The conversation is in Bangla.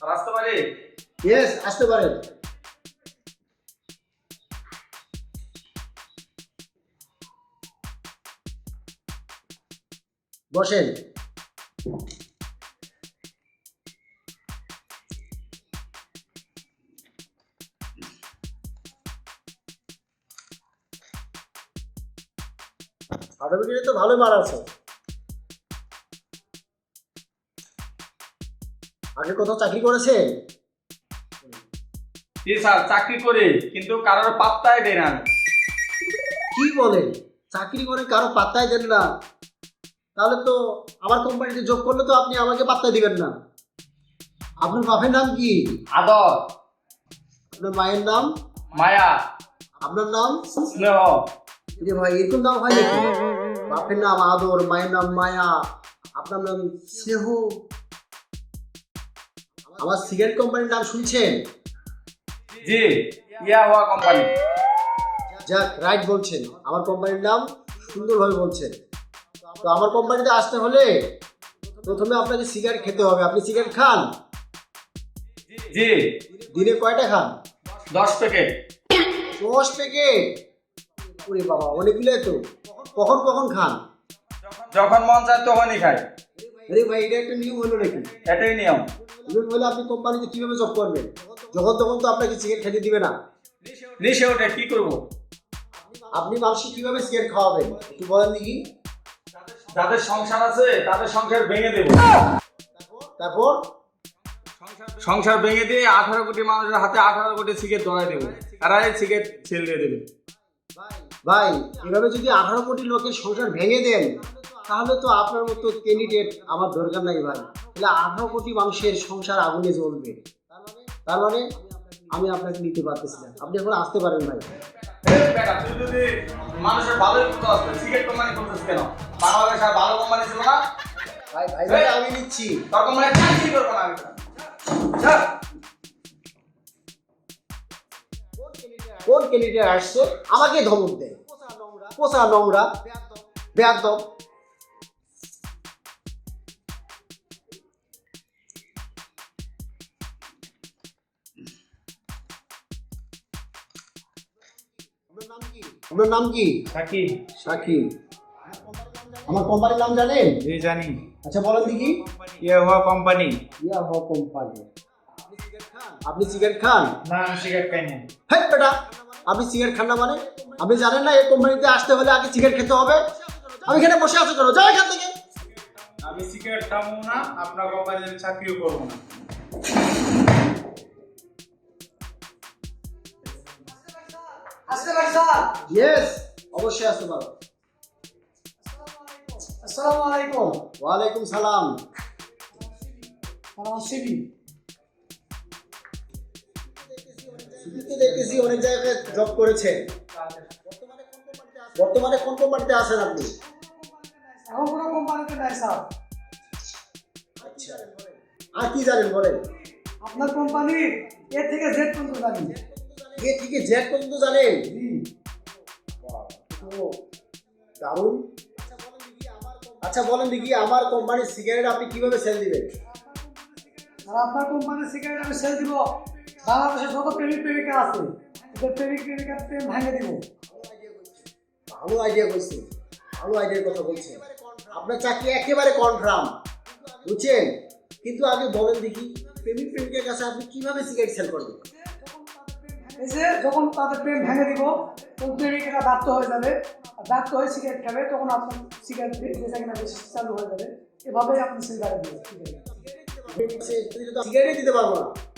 আসতে পারি? ইয়েস, আসতে পারেন। বসেন। সার্টিফিকেটে তো ভালোই মার আছে। আগে কোথাও চাকরি করেছেন? জি স্যার, চাকরি করি কিন্তু কারোর পাত্তাই দেয় না আমি। কি বলেন? চাকরি করে কারো পাত্তাই দেন না? তাহলে তো আমার কোম্পানিতে যোগ করলে তো আপনি আমাকে পাত্তা দিবেন না। আপনার বাপের নাম কি? আদর, আপনার মায়ের নাম? মায়া, আপনার নাম? স্নেহ। যে ভাই এরকম নাম হয় নাকি? বাপের নাম আদর, মায়ের নাম মায়া, আপনার নাম স্নেহ। আমার সিগারেট কোম্পানির নাম শুনছেন? জি, ইয়া হওয়া কোম্পানি। যাক, রাইট বলছেন। আমার কোম্পানির নাম সুন্দরভাবে বলছেন। তো আমার কোম্পানিতে আসতে হলে প্রথমে আপনাকে সিগারেট খেতে হবে। আপনি সিগারেট খান? জি, দিনে কয়টা খান? 10 প্যাকেট। 10 প্যাকেট? ওরে বাবা, অনেকগুলো তো। কখন কখন খান? যখন মন চায় তখনই খাই। আরে ভাই, এটা একটা নিয়ম হলো নাকি? এটাই নিয়ম। নিয়ম হলে আপনি কোম্পানিতে কিভাবে জব করবেন? যখন তখন তো আপনাকে সিগারেট খেতে দিবে না। নিশে ওঠে কি করব? আপনি মানুষকে কিভাবে সিগারেট খাওয়াবেন একটু বলেন দেখি। যাদের সংসার আছে তাদের সংসার ভেঙে দেব। তারপর? সংসার ভেঙে দিয়ে 18 কোটি মানুষের হাতে 18 কোটি সিগারেট ধরাই দেবো। তারা এই সিগারেট সেল দিয়ে দেবে। ভাই, এভাবে যদি 18 কোটি লোকের সংসার ভেঙে দেন তাহলে তো আপনার মতো ক্যান্ডিডেট আমার দরকার নাই ভাই। তাহলে 18 কোটি মানুষের সংসার আগুনে জ্বলবে। তার মানে আমি আপনাকে নিতে পারতেছি না। আপনি এখন আসতে পারেন ভাই। এই বেটা, তুই যদি মানুষের ভালোই করতে আসবে, সিগারেট কোম্পানি করতেছিস কেন? বাংলাদেশে আর ভালো কোম্পানি ছিল না? ভাই ভাই ভাই, আমি নিচ্ছি। তোর কোম্পানি চাকরি করবো না আমি। যা। কোন ক্যান্ডিডেট আসছে আমাকে ধমক দেয়? পোষা নোংরা বেয়াদব। আপনার নাম কি? সাকিব। সাকিব। আমার কোম্পানির নাম জানেন? জি জানি। আচ্ছা বলেন দেখি। ইয়া হওয়া কোম্পানি। ইয়া হো কোম্পানি। আপনি সিগারেট খান? না, আমি সিগারেট খাই না। হ্যাঁ বেটা, আপনি সিগারেট খান না মানে? আপনি জানেন না এই কোম্পানিতে আসতে হলে আগে সিগারেট খেতে হবে? আমি এখানে বসে আছি কেন? যাও এখান থেকে। আমি সিগারেট খাবো না, আপনার কোম্পানিতে আমি চাকরিও করবো না। আসতে পারি স্যার? ইয়েস, অবশ্যই আসতে পারো। আসসালামু আলাইকুম। ওয়ালাইকুম সালাম। আমার সিবি। শুধুতে দেখতেছি অনেক জায়গায় জব করেছেন। বর্তমানে কোন কোম্পানিতে আছেন আপনি? এখন কোনো কোম্পানিতে নাই স্যার। আচ্ছা, আর কি জানেন বলেন? আপনার কোম্পানি এ থেকে জেড পর্যন্ত জানি। এ থেকে জেড পর্যন্ত জানেন? জি। তো দারুণ। আচ্ছা বলেন দেখি, আমার কোম্পানির সিগারেট আপনি কিভাবে সেল দিবেন? আর আপনার কোম্পানির সিগারেট আমি সেল দিব। বাংলাদেশের যত প্রেমিক প্রেমিকা আছে ওদের প্রেমিক প্রেমিকার প্রেম ভাঙে দিব। ভালো আইডিয়া বলছি, ভালো আইডিয়ার কথা বলছেন। আপনার চাকরি একেবারে কনফার্ম, বুঝছেন? কিন্তু আগে বলেন দেখি, প্রেমিক প্রেমিকের কাছে আপনি কিভাবে সিগারেট সেল করবেন? এই যে যখন তাদের প্রেম ভেঙে দিব তখন প্রেমিকেরা ব্যর্থ হয়ে যাবে, আর ব্যর্থ হয়ে সিগারেট খাবে, তখন আপনার সিগারেট বেচা কিনা বেশি চালু হয়ে যাবে। এভাবেই আপনি সিগারেট দিবেন। সিগারেট দিতে পারবো না।